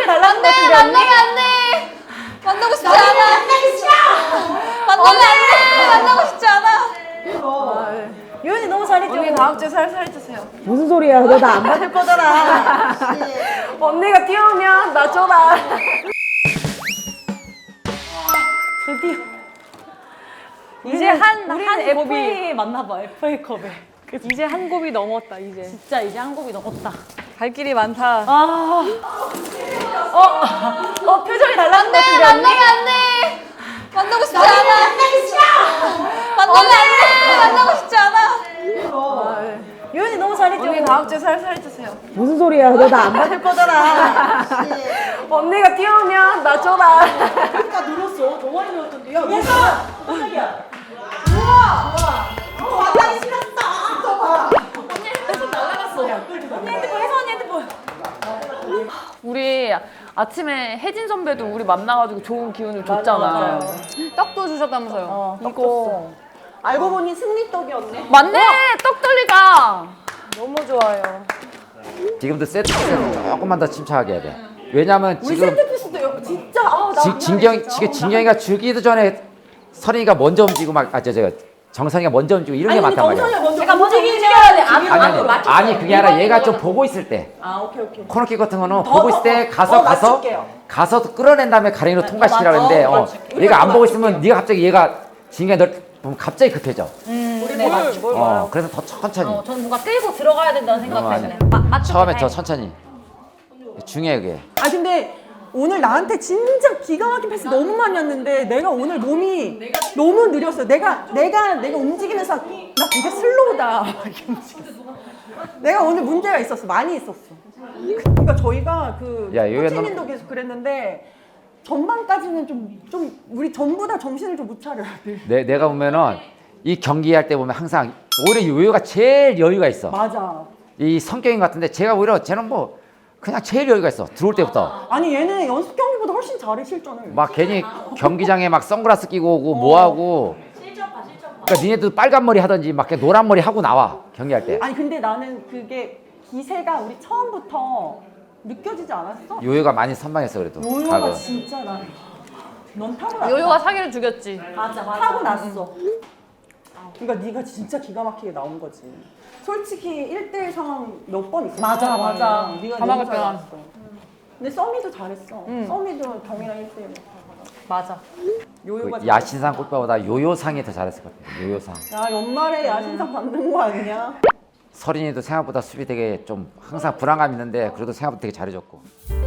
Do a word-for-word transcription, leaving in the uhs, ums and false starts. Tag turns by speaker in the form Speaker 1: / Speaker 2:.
Speaker 1: 달라는 것 같은데 언니?
Speaker 2: 만나면 안 돼! 만나고 싶지 않아! 만나기 싫어! 만나면 안 돼! 만나고 싶지 않아!
Speaker 1: 유연이 너무 잘했죠?
Speaker 3: 언니 다음 주에 살살 해주세요.
Speaker 1: 무슨 소리야? 너 나 안 받을 거잖아.
Speaker 3: 언니가 뛰어오면 나 줘라.
Speaker 1: 드디어.
Speaker 2: 이제 한,
Speaker 1: 우리는
Speaker 2: 한 곱이
Speaker 1: 에프에이 맞나봐, 에프에이컵에.
Speaker 2: 이제 한 곱이 넘었다 이제.
Speaker 1: 진짜 이제 한 곱이 넘었다.
Speaker 2: 갈 길이 많다.
Speaker 1: 아. 어, 어, 표정이 달라는 것 같은데 언니?
Speaker 2: 만나면 안 돼! 만나고 싶지 않아! 만나기 싫어! 만나면 안 돼! 만나고 싶지 않아!
Speaker 1: 유연이 너무 잘했죠?
Speaker 3: 언니 다음 주에 살살 해주세요.
Speaker 1: 무슨 소리야? 너 나 안 받을 거잖아.
Speaker 3: 언니가 뛰어오면 나 줘라.
Speaker 1: 그러니까 늘었어. 너무 많이 늘었던데. 야, 예서! 깜짝이야. 우와! 우와! 어, 완전히 싫었어. 또 봐. 언니 핸드폰 날라갔어. 언니 핸드폰, 혜서 언니 핸드폰.
Speaker 2: 우리 아침에 혜진 선배도 우리 만나가지고 좋은 기운을 줬잖아.
Speaker 1: 맞아요.
Speaker 2: 떡도 주셨다면서요.
Speaker 1: 어, 떡
Speaker 2: 이거
Speaker 1: 알고 보니 승리떡이었네.
Speaker 2: 맞네! 떡돌리가!
Speaker 3: 너무 좋아요.
Speaker 4: 지금도 세트피스는 조금만 더 침착하게 해야 돼. 왜냐면
Speaker 1: 우리
Speaker 4: 지금
Speaker 1: 세트피스도 진짜 아우 나
Speaker 4: 지,
Speaker 1: 미안해,
Speaker 4: 진경
Speaker 1: 진짜.
Speaker 4: 지금
Speaker 1: 어,
Speaker 4: 진경이가 주기도 전에 선이가 먼저 움직이고 막 아 저 저 정선이가 먼저 움직이고 이런 게
Speaker 1: 아니,
Speaker 4: 많단 말이야.
Speaker 1: 정선이가 먼저
Speaker 2: 제가 먼저
Speaker 1: 움직이셔야 돼.
Speaker 4: 아니
Speaker 1: 앞으로
Speaker 4: 아니
Speaker 1: 맞췄어요.
Speaker 4: 아니 그게 아니라 얘가 좀 보고 있을 때
Speaker 1: 아 오케이 오케이.
Speaker 4: 코너킥 같은 거는
Speaker 1: 더,
Speaker 4: 보고
Speaker 1: 더,
Speaker 4: 있을 때
Speaker 1: 더,
Speaker 4: 가서
Speaker 1: 더
Speaker 4: 가서
Speaker 1: 맞출게요.
Speaker 4: 가서 끌어낸 다음에 가랭이로 통과시키라
Speaker 1: 맞-
Speaker 4: 그랬는데
Speaker 1: 어,
Speaker 4: 어,
Speaker 1: 맞출게. 우리가
Speaker 4: 얘가
Speaker 1: 더
Speaker 4: 안 보고 있으면
Speaker 1: 맞출게요.
Speaker 4: 네가 갑자기 얘가 진경이 널 보면 갑자기 급해져.
Speaker 1: 우리 네, 맞출게.
Speaker 4: 어 그래서 더 천천히.
Speaker 1: 어, 저는 뭔가 끌고 들어가야 된다는 생각
Speaker 4: 어,
Speaker 1: 때문에.
Speaker 4: 아니야.
Speaker 1: 마, 맞출게.
Speaker 4: 처음에
Speaker 1: 네.
Speaker 4: 더 천천히. 중요해 그게.
Speaker 5: 아 근데 오늘 나한테 진짜 기가 막힌 패스 너무 많이 왔는데 내가 오늘 몸이 너무 느렸어. 내가 내가 내가 움직이면서 나 되게 슬로우다. 이렇게 움직였어. 내가 오늘 문제가 있었어. 많이 있었어. 그러니까 저희가 그
Speaker 4: 야, 이거
Speaker 5: 코치님도 계속 그랬는데 전반까지는 좀 좀 우리 전부 다 정신을 좀 못 차려야 돼.
Speaker 4: 내, 내가 보면은 이 경기할 때 보면 항상 오히려 요요가 제일 여유가 있어.
Speaker 5: 맞아.
Speaker 4: 이 성격인 것 같은데 제가 오히려 쟤는 뭐 그냥 제일 여유가 있어. 들어올 때부터
Speaker 5: 아니 얘는 연습 경기보다 훨씬 잘해 실전을.
Speaker 4: 막 괜히 경기장에 막 선글라스 끼고 오고 뭐 하고. 그러니까 니네도 빨간 머리 하든지 막 그냥 노란 머리 하고 나와 경기할 때.
Speaker 5: 아니 근데 나는 그게 기세가 우리 처음부터 느껴지지 않았어?
Speaker 4: 요요가 많이 선방했어 그래도.
Speaker 5: 요요가
Speaker 4: 가고.
Speaker 5: 진짜 나. 넌 타고 났어.
Speaker 2: 요요가 사기를 죽였지.
Speaker 1: 맞아 맞아.
Speaker 5: 타고 났어. 그러니까 네가 진짜 기가 막히게 나온 거지. 솔직히 일 대일 상황 몇 번 있었어.
Speaker 1: 맞아, 맞아.
Speaker 5: 네가
Speaker 2: 다
Speaker 5: 너무
Speaker 2: 막을
Speaker 5: 잘
Speaker 2: 때가.
Speaker 5: 나왔어. 근데 써미도 잘했어. 써미도 경이랑 일 대일.
Speaker 1: 맞아.
Speaker 5: 요요가
Speaker 4: 그 야신상 꽃보다 요요상이 더 잘했을 것 같아. 요요상.
Speaker 5: 야 연말에 야신상 받는 거 아니냐?
Speaker 4: 서린이도 생각보다 수비 되게 좀 항상 불안감 있는데 그래도 생각보다 되게 잘해줬고.